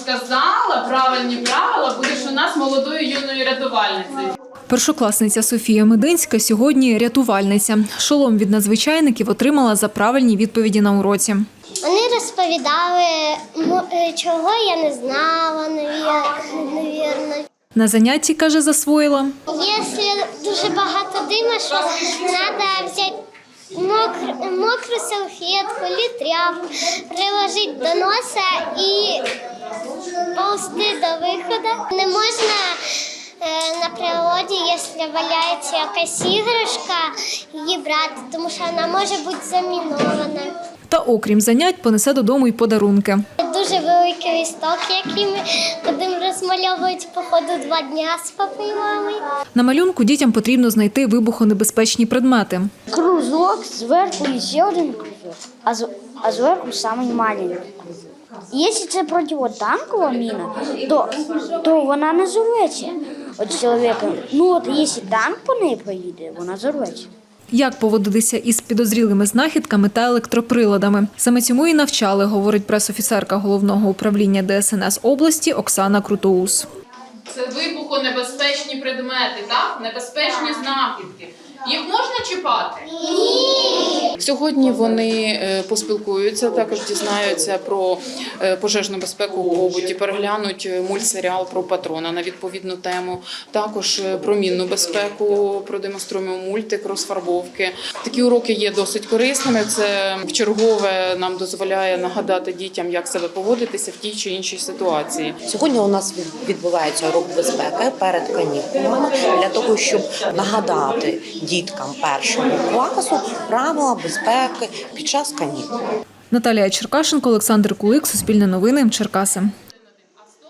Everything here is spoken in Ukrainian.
розказала правильні правила, будеш у нас молодою юною рятувальницею. Першокласниця Софія Мединська сьогодні рятувальниця. Шолом від надзвичайників отримала за правильні відповіді на уроці. Вони розповідали, чого я не знала, навірно. На занятті, каже, засвоїла. Якщо дуже багато дима, що треба взяти мокру салфетку, тряпку, приложити до носа і повзти до виходу. Не можна на природі, якщо валяється якась іграшка, її брати, тому що вона може бути замінована. Та окрім занять, понесе додому й подарунки. Дуже великий листок, який ми будемо розмальовувати по ходу 2 дня з папою і мамою. На малюнку дітям потрібно знайти вибухонебезпечні предмети. Кружок, зверху і ще один кружок, а зверху самий маленький. Якщо це противотанкова міна, то вона не зорветься від чоловіка. Якщо танк по неї проїде, вона зорветься. Як поводитися із підозрілими знахідками та електроприладами. Саме цьому і навчали, говорить пресофіцерка Головного управління ДСНС області Оксана Крутоус. Це вибухонебезпечні предмети, так? Небезпечні знахідки. Їх можна чіпати? Ні! Сьогодні вони поспілкуються, також дізнаються про пожежну безпеку у побуті, переглянуть мультсеріал про патрона на відповідну тему, також про мінну безпеку, продемонструємо мультик, розфарбовки. Такі уроки є досить корисними, це вчергове нам дозволяє нагадати дітям, як себе поводитися в тій чи іншій ситуації. Сьогодні у нас відбувається урок безпеки перед канікулами для того, щоб нагадати діткам першого класу правила безпеки під час канікул. Наталія Черкашенко, Олександр Кулик, Суспільне новини, Черкаси.